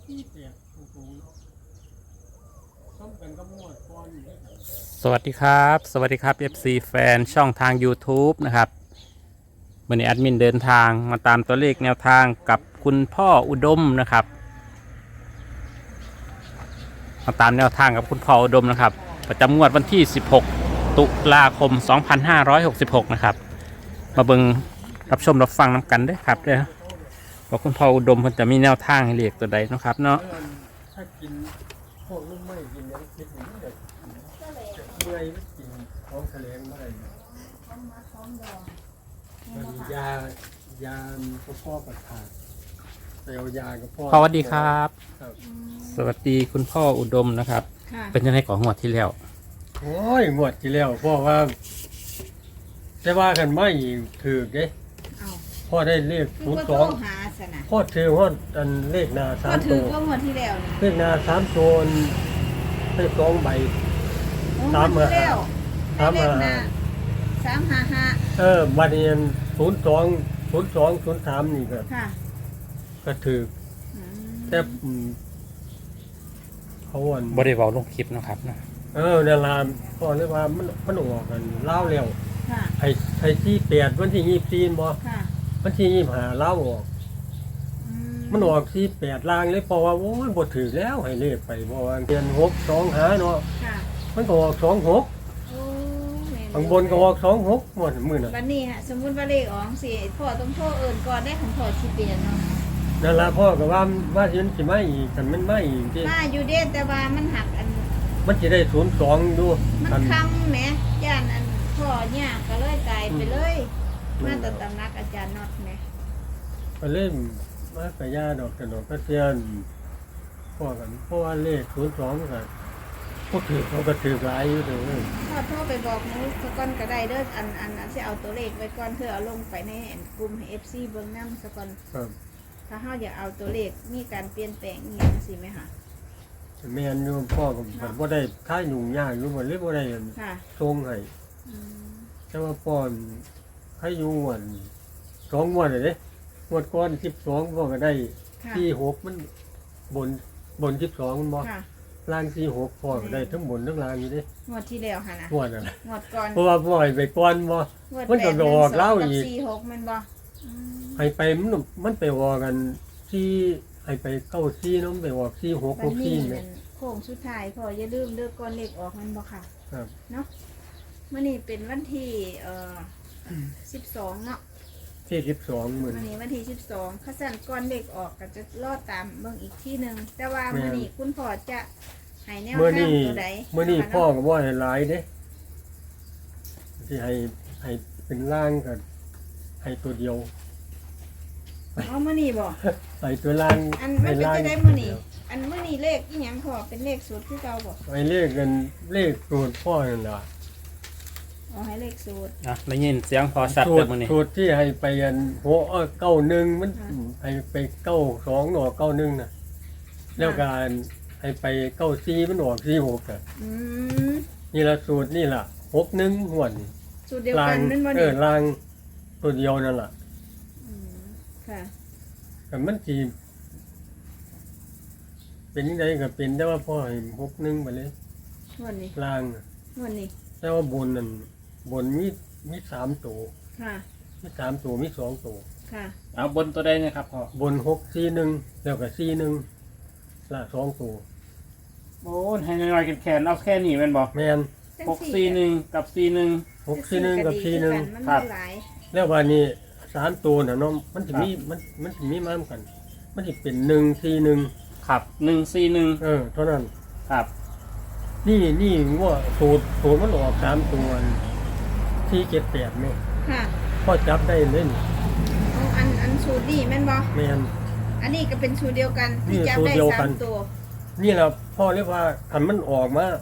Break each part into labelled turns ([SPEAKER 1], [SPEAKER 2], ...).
[SPEAKER 1] สวัสดีครับสวัสดีครับ FC แฟนช่องทาง YouTube นะครับวันนี้แอดมินเดินทางมาตามตัวเลขแนวทางกับคุณพ่ออุดมนะครับมาตามแนวทางกับคุณพ่ออุดมนะครับประจำงวดวันที่ 16 ตุลาคม 2566 นะครับมาเบิ่งรับชมรับฟังน้ำกันด้วยครับเด้อว่าคุณพ่ออุดมเพิ่นจะมีแนวทางให้เลขตัวใดนะครับเนาะ
[SPEAKER 2] ถ้ากินพวกลูกไม่กินยังคิดอย่างนี้เลยเมื่อยไม่กินของแสลงไม่ได้มันยาพ่อประทานไปเอายากับพ่อ
[SPEAKER 1] สวัสดีครับสวัสดีคุณพ่ออุดมนะครับเป็นยังไงของงวดที่แล้ว
[SPEAKER 2] โอ้ยงวดที่แล้วพ่อว่าจะว่ากันไม่ถือเด้พ่อได้เลข02พ่อถือว่าอันเลขหน้า3ตัว
[SPEAKER 3] ก็งวดที่แล้ว
[SPEAKER 2] เลขหน้า3ตัวได้2ใบ3มา355บัดนี้0203นี่ก็ถือแต่เขาวัน
[SPEAKER 1] บ่ได้เว้าลงคลิปนะครับนะ
[SPEAKER 2] นั่นล่ะพ่อเรียกว่ามันออกกันลาวแล้วให้48วันที่24บ่วันที่25ลาวออกมันออก48ล่างเลยเพราะว่าโอ้ยบ่ถือแล้วให้เลขไปเพราะว่าเดือน6 2หาเนาะมันก็ออก26ข้างบนก็ออก26หมดมื้อน่ะ
[SPEAKER 3] วันนี้ฮะสมมุติว่าเลขออกสิพ่อต้องโทรเอิ้นก่อนได้ของพ่อสิเปลี่ยนเนาะ
[SPEAKER 2] นั่นล่ะพ่อก็ว่าสิมันสิมาอีกแต่มันมาอีกติ
[SPEAKER 3] มาอยู่เด้แต่ว่ามันหักอัน
[SPEAKER 2] มันสิได้02ดู
[SPEAKER 3] มันค้ำแหมย่านอันพ่อเนี่ยก็เลยตายไปเลยมาตตำนักอาจารย์น็อตแหม
[SPEAKER 2] ก็เล่นมาก็ย่าดอกกระโดดกระเทียนพ่อกันเพราะว่าเลข02ก็พวกถือเขาก็ถือหลายอยู่เด้อ
[SPEAKER 3] พ่อโทรไปบอกหนูสักก่อนก็ได้เด้ออันสิเอาตัวเลขไว้ก่อนเพื่อเอาลงไปในกลุ่ม FC เบิ่งนำสักก่อน
[SPEAKER 2] ครับ
[SPEAKER 3] ถ้าเฮาอยากเอาตัวเลขมีการเปลี่ยนแปลงอีหยังสิไหมคะ
[SPEAKER 2] แม่นอยู่พ่อก็บ่ได้ค่ายยุ่งยากอยู่บ่เลยบ่ได้ส่งให้แต่ว่าพ่อให้อยู่วัน2งวดเด้งวดก่อน12พ่อก็ได้46มันบน12มันบ่ล่าง46พ่อก็ได้ทั้งบนทั้งล่างอยู่เด้
[SPEAKER 3] งวดที่แล้วหั่นน่ะ
[SPEAKER 2] งวดน่ะ
[SPEAKER 3] งวดก่อน
[SPEAKER 2] เพราะว่าพ่อให้ไปก่อนบ่มันก็ออกแล้วอีก
[SPEAKER 3] 46มันบ่
[SPEAKER 2] ให้ไปมันไปวอกันที่ให้ไป94เนาะไปวอ46 64แม่
[SPEAKER 3] โค้งสุดท้ายพ่ออย่าลืมเด้อก่อนเลขออกมันบ่ค่ะ
[SPEAKER 2] ครับ
[SPEAKER 3] เนาะมื้อนี้เป็นวันที่12เนาะ
[SPEAKER 2] ที่12มื้อ
[SPEAKER 3] นี้วันที่12คันสั่นก่อนเลขออกก็จะรอตามเบิ่งอีกที่นึงแต่ว่ามื้อนี้คุณพ่อจะให้แนวทางตัวใด
[SPEAKER 2] มื้อนี้พ่อก็บ่ให้หลายเด้สิให้เป็นล่างก็ให้ตัวเดียว
[SPEAKER 3] มื้อนี้บ่
[SPEAKER 2] ให้ตัวล่าง
[SPEAKER 3] อันมันเป็นจะได้มื้อนี้อันมื้อนี้เลขอีหยังพ่อเป็นเลขสูตรคือเก่าบ่
[SPEAKER 2] ให้เลขกันเลขสูตรพ่อนั่นล่ะ
[SPEAKER 3] ให้เลขสูตร
[SPEAKER 1] ได้ยินเสียงพอชัดเด้อมื้อนี้
[SPEAKER 2] สูตรที่ให้ไปอัน91มันให้ไป92หนอ91น่ะแล้วการให้ไป94มันออก46อ่ะนี่ล่ะสูตรนี่ล่ะ61หวน
[SPEAKER 3] สูตรเดียวกันนั่นบ่นี่
[SPEAKER 2] ล่างตัวเดียวนั่นล่ะ
[SPEAKER 3] ค่ะ
[SPEAKER 2] แต่มันสิเป็นจังไดก็เป็นแต่ว่าพ่อให้61ไปเลย
[SPEAKER 3] วันนี้
[SPEAKER 2] ล่าง
[SPEAKER 3] วันนี้
[SPEAKER 2] แต่ว่าบนนั่นบนมี3ตัว
[SPEAKER 3] ค่ะ
[SPEAKER 2] มี3ตัวมี2ตัว
[SPEAKER 3] ค่ะ
[SPEAKER 1] เอาบนตัวใดนะครับพ่อบ
[SPEAKER 2] น641แล้วก็41ละ2ตัว
[SPEAKER 1] โอ้ให้น้อยๆแขนเอาแค่นี้แม่นบ่
[SPEAKER 2] แม่น
[SPEAKER 1] 641กับ41
[SPEAKER 2] 641กับ41
[SPEAKER 3] ครับ
[SPEAKER 2] แล้ววันนี้3ตัวน่ะเนาะมันสิมีมาเหมือนกันมันสิเป็น141
[SPEAKER 1] ครับ141
[SPEAKER 2] เท่านั้น
[SPEAKER 1] ครับ
[SPEAKER 2] นี่ว่าสูตรมันออก3ตัว478แม่
[SPEAKER 3] ค่ะ
[SPEAKER 2] พอจับได้เลยนี่
[SPEAKER 3] อันสูตรนี่แม่นบ่
[SPEAKER 2] แม่น
[SPEAKER 3] อันนี้ก็เป็นสูตรเดียวกันที่จับได้3ตัว
[SPEAKER 2] นี่ล่ะพ่อเรียกว่าคันมันออกมา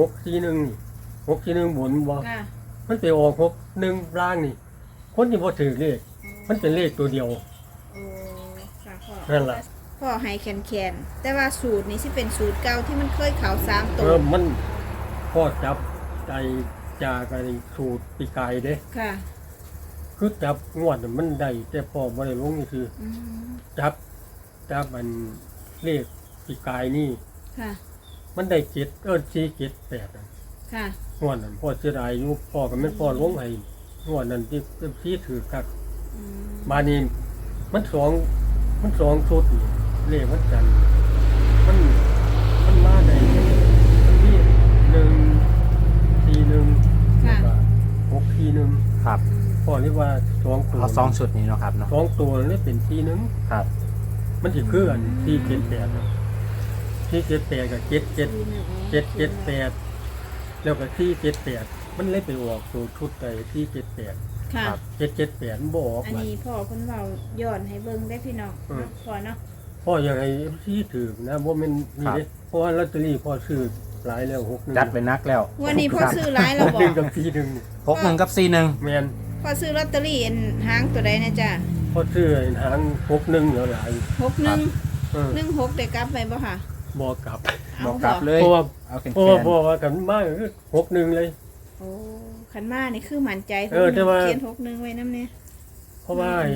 [SPEAKER 2] 641บนบ่มันไปออก61ล่างนี่คนที่บ่ถือเลขมันเป็นเลขตัวเดียว
[SPEAKER 3] ค่ะพ่อ
[SPEAKER 2] นั่นล่ะ
[SPEAKER 3] พ่อให้แคนแต่ว่าสูตรนี้สิเป็นสูตรเก่าที่มันเคยเข้า3ตัว
[SPEAKER 2] มันพ่อจับใจจากไอ้สูตรปีกายเด้
[SPEAKER 3] ค่ะ
[SPEAKER 2] คือจับงวดมันได้แต่พ่อบ่ได้ลงนี่คือจับมันเลขปีกายนี่
[SPEAKER 3] ค่ะ
[SPEAKER 2] มันได้478
[SPEAKER 3] ค่ะ
[SPEAKER 2] งวดนั้นพ่อเสียดายอยู่พ่อก็ไม่พ่อลงให้งวดนั้นที่ถือกัก
[SPEAKER 3] อืม
[SPEAKER 2] มานี่มันสองชุดนี่เลขมันกันมันมาในที่141
[SPEAKER 3] ค่ะ
[SPEAKER 2] 641
[SPEAKER 1] ครับ
[SPEAKER 2] พ่อเรียกว่า2ตัว
[SPEAKER 1] เอาสองชุดนี้เนาะครับเนาะ
[SPEAKER 2] 2ตัวนี่เป็น41
[SPEAKER 1] ครับ
[SPEAKER 2] มันสิคืออัน478นะ478กับ778แล้วก็478มันเลยไปออกตัวชุดใด478
[SPEAKER 3] ค่ะ
[SPEAKER 2] 778มันบ่ออก
[SPEAKER 3] อัน
[SPEAKER 2] มา
[SPEAKER 3] นี้พ่อเพิ่นเว้าย้อนให้เบิ่งได้พี่น้อง
[SPEAKER 2] อืม
[SPEAKER 3] เนาะพ่อเนาะ
[SPEAKER 2] พ่ออยากให้ที่ถือนะว่ามันนี่เด้เพราะว่าลอตเตอรี่พ่อซื้อหลายแล้ว6
[SPEAKER 1] จัดไปนักแล้ว
[SPEAKER 3] วันนี้พ่อซื้อหลายแล้วบ่
[SPEAKER 2] 1กับ4 1
[SPEAKER 1] 61กับ41
[SPEAKER 2] แม่น
[SPEAKER 3] พ่อซื้อลอตเตอรี่อันหางตัวใดนะจ๊ะ
[SPEAKER 2] พ่อซื้อหาง61แล้วหลาย
[SPEAKER 3] 61
[SPEAKER 2] เออ
[SPEAKER 3] 16ได้กลับไปบ่ค่ะ
[SPEAKER 2] บ่กลับ
[SPEAKER 1] บ
[SPEAKER 3] เอา
[SPEAKER 1] อกกลับเลย
[SPEAKER 2] เพราะว่า
[SPEAKER 1] เอาแข็ง
[SPEAKER 2] เพราะว่าพ่อว่ากันมาคือ61เลย
[SPEAKER 3] โอ้คันมานี่คือมั่นใจ
[SPEAKER 2] เออแต่ว่า
[SPEAKER 3] เขียน61ไว้นำเนี่ย
[SPEAKER 2] เพราะว่าไอ้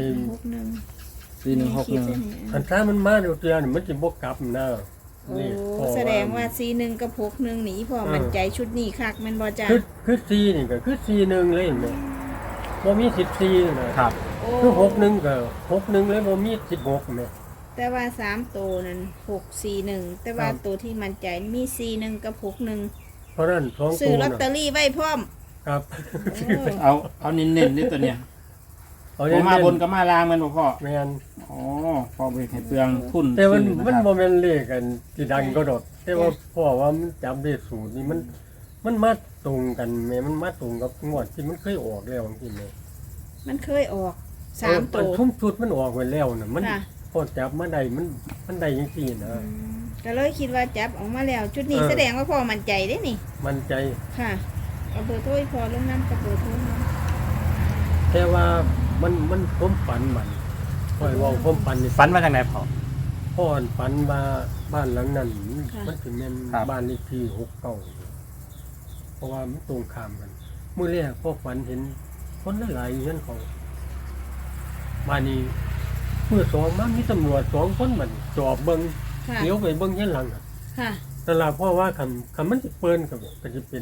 [SPEAKER 3] 61
[SPEAKER 1] 4161
[SPEAKER 2] อันถ้ามันมาเดี๋ยวเดียวนี่มันสิบ่กลับนะ
[SPEAKER 3] โอ้
[SPEAKER 2] นี่พ่อ
[SPEAKER 3] แสดงว่า41กับ61นี่พ่อมั่นใจชุดนี้คักแม่นบ่จ๊ะ
[SPEAKER 2] คือ4นี่ก็คือ41เลยเห็นไหมบ่มี14นะครับ
[SPEAKER 3] โอ้
[SPEAKER 2] คือ61ก็61เลยบ่มี16แม่
[SPEAKER 3] แต่ว่า3ตัวนั้น641แต่ว่า
[SPEAKER 2] ครับ
[SPEAKER 3] ตัวที่มั่นใจมี41กับ61
[SPEAKER 2] เพราะนั้น2
[SPEAKER 3] ซื้
[SPEAKER 2] ตั
[SPEAKER 3] อ
[SPEAKER 2] ว
[SPEAKER 3] ลอตเตอ
[SPEAKER 2] น่ะ
[SPEAKER 3] รี่ไว้พร้อม
[SPEAKER 2] ครับ
[SPEAKER 3] โอ้
[SPEAKER 1] เอาเน้นๆนี่ตัวเนี้ย
[SPEAKER 2] เอา
[SPEAKER 1] บ่มาบน
[SPEAKER 2] เล่
[SPEAKER 1] กับมาล่างแมันบ่พ่อ
[SPEAKER 2] ๆแม่น
[SPEAKER 1] อ๋อพ่อไปให้เปลืองทุน
[SPEAKER 2] แต่มัน
[SPEAKER 1] ซื้อ
[SPEAKER 2] มัน
[SPEAKER 1] นะครับ
[SPEAKER 2] บ่แม่นเลขกันที่ดังก็ดอกแต่ว่าพ่อว่ามันจำได้สูตรนี่มันมาตรงกันแม่มันมาตรงกับงวดที่มันเคยออกแล้วจริงๆแม่
[SPEAKER 3] มันเคยออก3ตัว
[SPEAKER 2] ทุ่มชุดมันออกไปแล้วน่ะมัน
[SPEAKER 3] ค่ะ
[SPEAKER 2] พอจับมาได้มันได้จริงๆนะ
[SPEAKER 3] ก็เลยคิดว่าจับออกมาแล้วชุดนี้
[SPEAKER 2] เออ
[SPEAKER 3] แสดงว่าพ่อมั่นใจได้นี่
[SPEAKER 2] มันใจ
[SPEAKER 3] ค่ะเอาเบอร์โทรให้พ่อลงน้ำกับเบอร์โทรน้
[SPEAKER 2] แต่ว่ามันผมฝันมันพ่อยเว่าผมฝันนี่
[SPEAKER 1] ฝันมาจากไหนพ่อ
[SPEAKER 2] พ่อฝันว่าบ้านหลังนั้นมันสิแม่น
[SPEAKER 1] ครับ
[SPEAKER 2] บ้านเลขที่69เพราะว่ามันตรงข้ามกันมื้อแรกพ่อฝันเห็นคนหลายๆเฮือนเขาบ้านนี้เมื่อสองมามีตำรวจ2คนมันจอบเบิ่ง
[SPEAKER 3] ำค่ะ
[SPEAKER 2] เลี้ยวไปเบิ่งเฮือนหลังน่ะ
[SPEAKER 3] ค่ะ
[SPEAKER 2] นั่นล่ะเพราะว่าคันมันสิเปิ้นก็จะเป็น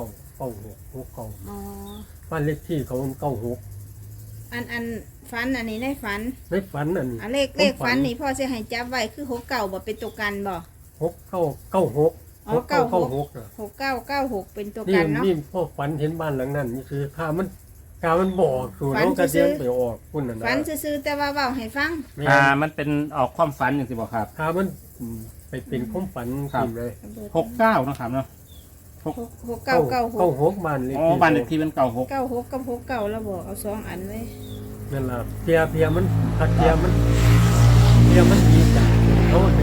[SPEAKER 2] 69
[SPEAKER 3] อ๋อ
[SPEAKER 2] บ้านเลขที่เขา96
[SPEAKER 3] อันฝันอันนี้ได้ฝัน
[SPEAKER 2] ในฝันอัน
[SPEAKER 3] อันเลขฝันนี่พ่อจะให้จับไว้คือ6เก่าบ่เป็นตัวกันบ่
[SPEAKER 2] 6996
[SPEAKER 3] อ๋อ
[SPEAKER 2] 6996น่ะ
[SPEAKER 3] 6996เป็นตัว
[SPEAKER 2] นี่
[SPEAKER 3] กันเนาะ
[SPEAKER 2] นี่พ่อฝันเห็นบ้านหลังนั้นนี่คือถ้ามันบอกสู่
[SPEAKER 3] ฝัน
[SPEAKER 2] น้องกระเดียน
[SPEAKER 3] ซื่อๆ
[SPEAKER 2] ไปออกพุ่นน่ะนะ
[SPEAKER 3] ฝันซื่อๆแต่ว่าเว้าให้ฟัง
[SPEAKER 2] แม่
[SPEAKER 1] มันเป็นออกความฝันอย่างที่บอกครับ
[SPEAKER 2] ถ้ามันไปเป็นความฝัน
[SPEAKER 1] ครับ
[SPEAKER 2] จริงเลย
[SPEAKER 1] 69นะครับเนาะ
[SPEAKER 3] 6996
[SPEAKER 2] บ้านเลข
[SPEAKER 1] อ๋อ
[SPEAKER 2] ที่
[SPEAKER 1] บ้านเลขที่เป็น96
[SPEAKER 3] 96กับ69แล้วบอกเอา2อันไว้
[SPEAKER 2] นั่นล่ะเพียมันถ้าเพียมันมีจากเขาเนี่ย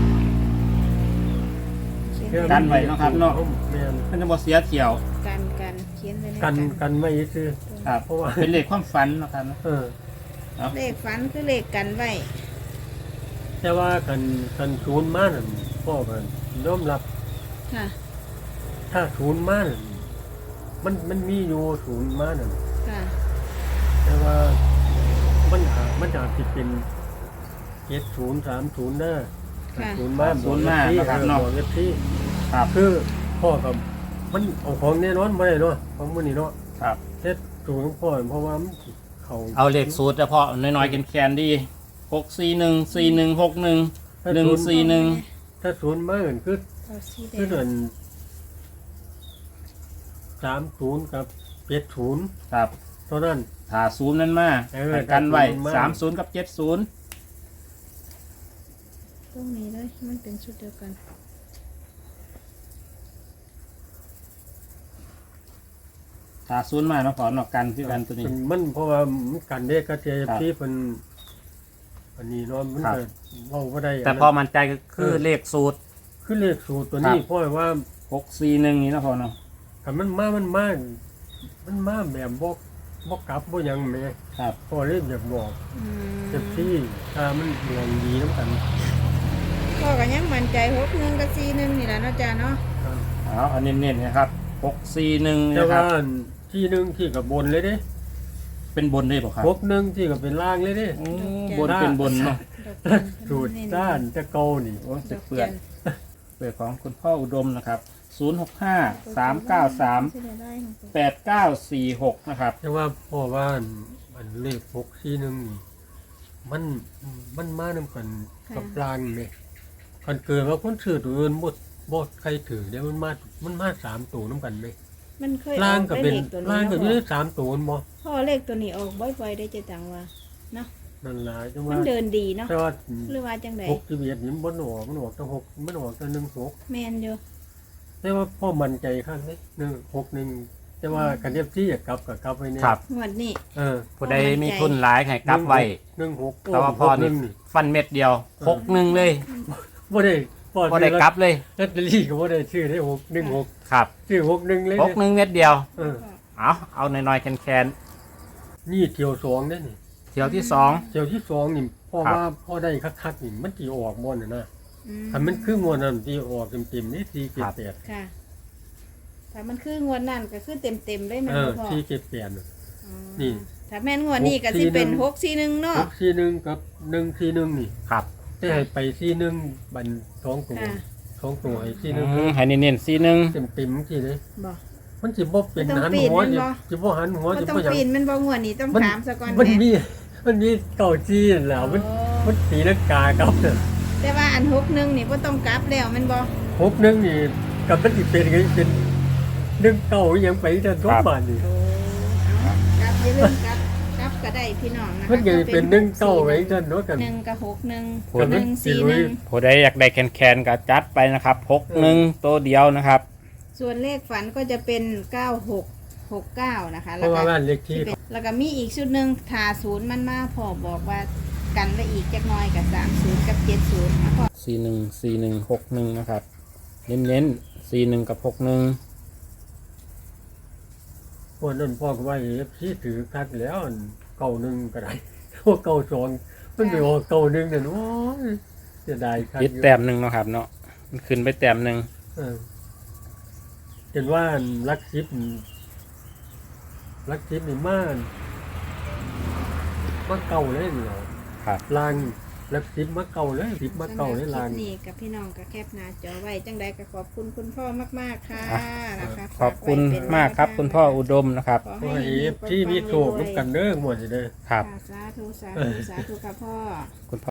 [SPEAKER 3] เขียน
[SPEAKER 2] เพีย
[SPEAKER 3] ไว้
[SPEAKER 1] กันไว้เนาะครับเนาะ
[SPEAKER 2] แม่น
[SPEAKER 1] มันจะบ่เสียเที่ยว
[SPEAKER 3] กันเขียนไว้ใน
[SPEAKER 2] กันไม่ซื้อ
[SPEAKER 1] ครับ
[SPEAKER 2] เพราะว่า
[SPEAKER 1] เป็นเลขความฝันเนาะครับเนาะ
[SPEAKER 2] เออ
[SPEAKER 3] เลขฝันคือเลขกันไว้
[SPEAKER 2] แต่ว่ากันศูนย์มานั่นพ่อกันยอมรับ
[SPEAKER 3] ค่ะ
[SPEAKER 2] ถ้าศูนย์มานั่นมันมีอยู่ศูนย์มานั่น
[SPEAKER 3] ค่ะ
[SPEAKER 2] แต่ว่ามันอาจจะเป็น7030เด้อ
[SPEAKER 3] ค่ะ
[SPEAKER 2] ศูนย์มา
[SPEAKER 1] ศูนย์มานะครับเนาะ
[SPEAKER 2] บอกเลขที่
[SPEAKER 1] ครับ
[SPEAKER 2] คือพ่อกับมันเอาของแน่นอนบ่ได้เนาะของมื้อนี้เนาะ
[SPEAKER 1] ครับ
[SPEAKER 2] เฮ็ดสูงพ่อเพราะว่ามันสิเขา
[SPEAKER 1] เอาเลขสูตรเฉพาะน้อยๆแคนๆดี641 4161 141
[SPEAKER 2] ถ้าศูนย์มาอื่นคือ
[SPEAKER 3] เอาสีแด
[SPEAKER 2] คือง เดือน30กับ70
[SPEAKER 1] ครับ
[SPEAKER 2] เท่านั้น
[SPEAKER 1] ถ้าศูนย์นั้นมา
[SPEAKER 2] เออ
[SPEAKER 1] ให้กันไว้
[SPEAKER 2] ถ้าศูนย์มา
[SPEAKER 1] 30กับ70
[SPEAKER 3] ตรงนี้เลยมันเป็นชุดเดียวกัน
[SPEAKER 1] ถ้าศูนย์มาเนาะขอเนาะกันคือกันตัวนี้
[SPEAKER 2] มันเพราะว่ามันกันเด็กก็เจ
[SPEAKER 1] ครับ
[SPEAKER 2] ที่เพิ่นอันนี้เนาะมัน
[SPEAKER 1] ครับ
[SPEAKER 2] ก็เว้าบ่ได้
[SPEAKER 1] แต่พอมันใจก็คือเลขสูตร
[SPEAKER 2] คือเลขสูตรตัวนี้
[SPEAKER 1] ครับ
[SPEAKER 2] เพราะว่า
[SPEAKER 1] 641นี่เนาะพอเนาะ
[SPEAKER 2] คันมันมาแบบบ่กลับบ่หยังแหม่
[SPEAKER 1] ครับ
[SPEAKER 2] พ่อเลยอยากบอก
[SPEAKER 3] อืม
[SPEAKER 2] เจ็บที่ถ้ามันดวงดีนำกัน
[SPEAKER 3] พ่อก็ยังมั่นใจ61กับ41นี่แหละเนาะจ้าเนาะ
[SPEAKER 2] ครับ
[SPEAKER 1] เอาอันเน้นๆนะครับ641
[SPEAKER 2] แต่
[SPEAKER 1] นะครั
[SPEAKER 2] ว่า
[SPEAKER 1] บ
[SPEAKER 2] ที่หนึงที่กับบนเลยเด้
[SPEAKER 1] เป็นบนได้ป่ะครับ
[SPEAKER 2] 61ที่ก็เป็นล่างเลยเด้
[SPEAKER 1] โอ้บนเป็นบนเนาะ
[SPEAKER 2] สูตรด้านจะเกานี่
[SPEAKER 1] โอ้จะเปื่อยเปื่อยของคุณพ่ออุดมนะครับ065 393 8946นะครับ
[SPEAKER 2] แต่ว่าพ่อว่าอันเลข6ที่นึงนี่มันมานำกันกับลางนี่คันเกิดว่าคนซื้อตัวอื่นบ่ใครถือเดี๋ยวมันมา3ตัวนำกันไหม
[SPEAKER 3] มันเคย
[SPEAKER 2] ล่าง
[SPEAKER 3] อ
[SPEAKER 2] ก็
[SPEAKER 3] อก
[SPEAKER 2] เป็น
[SPEAKER 3] ได้เลขตัว
[SPEAKER 2] ล่างก็
[SPEAKER 3] นี้
[SPEAKER 2] มี
[SPEAKER 3] เนาะ
[SPEAKER 2] 3ตัวบ่
[SPEAKER 3] พ่อเลขตัวนี้ออกบ่อยๆได้จะจังว่าเนาะ
[SPEAKER 2] นั่นล่ะจัง
[SPEAKER 3] มั
[SPEAKER 2] ว่าน
[SPEAKER 3] เดินดีเนาะ
[SPEAKER 2] แต่ว่า
[SPEAKER 3] หรือว่าจังได๋
[SPEAKER 2] 6ที่เวียดนี่มันออกตั้ง6มันออกตั้ง16
[SPEAKER 3] แม่นอยู่
[SPEAKER 2] แต่ว่าพ่อมั่นใจข้างนี้161แต่ว่ากันเรียบที่อยากกลับก็กลับไว้เนี่ย
[SPEAKER 1] ครับ
[SPEAKER 3] งวดนี้
[SPEAKER 1] ผู้ใดมีทุนหลายให้กลับไว้
[SPEAKER 2] 16
[SPEAKER 1] แต่ว่าพ่อนี่
[SPEAKER 2] นี่
[SPEAKER 1] ฟันเม็ดเดียว61เลย
[SPEAKER 2] บ่ได้พ่อ
[SPEAKER 1] บ่ได้กลับเลย
[SPEAKER 2] ลอตเตอรี่ก็บ่ได้ชื่อได้616
[SPEAKER 1] ครับ
[SPEAKER 2] ชื่อ61เลย
[SPEAKER 1] 61เม็ดเดียว
[SPEAKER 2] เออ
[SPEAKER 1] เอาหน่อยๆแคน
[SPEAKER 2] นี่เที่ยว2เด้นี่
[SPEAKER 1] ๆเที่ยวที่
[SPEAKER 2] เที่ยวที่2นี่พ่อ
[SPEAKER 1] ครับ
[SPEAKER 2] ว่าพ่อได้คักๆนี่มันสิออกบ่น่ะนะ
[SPEAKER 3] อืม
[SPEAKER 2] ถ้ามันคืองวดนั้นสิออกเต็มๆนี่478
[SPEAKER 3] ค่ะถ้ามันคืองวดนั่นก็คือเต็มๆเลยแม่นบ่พ่อ
[SPEAKER 2] 478น่ะ
[SPEAKER 3] อ๋อ
[SPEAKER 2] นี่
[SPEAKER 3] ถ้าแม่นงวดนี้ก็สิเป็น641เนาะ
[SPEAKER 2] 641กับ141นี่
[SPEAKER 1] 2ครับ
[SPEAKER 2] ได้ให้ไป41บัน2ตัว
[SPEAKER 3] ค่ะ
[SPEAKER 2] 2ตัวให้
[SPEAKER 1] ให้เน้นๆ41
[SPEAKER 2] 41เต็มๆที่เลย
[SPEAKER 3] บ่
[SPEAKER 2] มันสิบ่เป็น
[SPEAKER 3] มันต้อง
[SPEAKER 2] หัน
[SPEAKER 3] ปีน
[SPEAKER 2] หัว
[SPEAKER 3] มัน
[SPEAKER 2] สิ
[SPEAKER 3] บ่
[SPEAKER 2] สิบ่หันหัว
[SPEAKER 3] มัน
[SPEAKER 2] สิ
[SPEAKER 3] ต้อง
[SPEAKER 2] บ่หยัง
[SPEAKER 3] ปีนมันบ่งวดนี้ต้อง
[SPEAKER 2] มัน
[SPEAKER 3] ถามซะก่อน
[SPEAKER 2] มัน
[SPEAKER 3] แม่
[SPEAKER 2] มีเก่าจี้นั่นแหล้วมันตีลังกาครับเนี่ย
[SPEAKER 3] แต่ว่าอัน61นี่บ่ต้องกลับแล้วแม่นบ่
[SPEAKER 2] 61นี่กับมันสิเป็นไงเป็น1เก่าอีหยังไปแต่ทุกบ้านนี่
[SPEAKER 3] โอ้เอากลับอย่าลืมกลับก็ได้พี่น้องนะคะ
[SPEAKER 2] มันก็สิเป็น1เก่าไว้จังเนาะกัน
[SPEAKER 3] 1กับ61
[SPEAKER 2] กับมันสิลุย
[SPEAKER 3] 141
[SPEAKER 1] ผู้ใดอยากได้แคนๆก็จัดไปนะครับ61ตัวเดียวนะครับ
[SPEAKER 3] ส่วนเลขฝันก็จะเป็น 9669 นะคะ
[SPEAKER 2] เพ
[SPEAKER 3] แล้ว
[SPEAKER 2] ราะว่า
[SPEAKER 3] ก็
[SPEAKER 2] บ้านเลขที่
[SPEAKER 3] แล้วก็มีอีกชุดหนึ่งทาศูนย์มันมาพอบอกว่ากันไว้อีกจักหน้อยกับ30กับ70นะพ่อ
[SPEAKER 1] 414161นะครับเน้นๆ41กับ61
[SPEAKER 2] พวกนั้นพ่อก็ว่าที่ถือคักแล้วอันเก่า1ก็ได้ พวกเก่า2มันไปออกเก่า1นั่นโอ้ยเสียดายคัก
[SPEAKER 1] ยึดแต้มหนึ่งเนาะครับเนาะมันขึ้นไปแต้มหนึ่ง
[SPEAKER 2] เออเห็นว่าลักชิปนี่มาเก่าเลยเหรอ
[SPEAKER 1] ครับ
[SPEAKER 2] ลางลักชิปมาเก่าเลยชิปมาเก่าเลย
[SPEAKER 3] สำห
[SPEAKER 2] ลา
[SPEAKER 3] รับ
[SPEAKER 2] ง
[SPEAKER 3] คลิปนี้กับพี่น้องก็แคปหน้าจอไว้จังใดก็ขอบคุณคุณพ่อมากๆค่ะนะคะ
[SPEAKER 1] ขอบคุณมากครับคุณพ่ออุดมนะครับ
[SPEAKER 3] ขอ
[SPEAKER 2] โอ้
[SPEAKER 3] ให้
[SPEAKER 2] ยที่มีโชคร่วมกันเด้อหมดเลย
[SPEAKER 1] ครับ
[SPEAKER 3] สาธุสาธุสาธุค่ะพ่อ
[SPEAKER 1] คุณพ่อ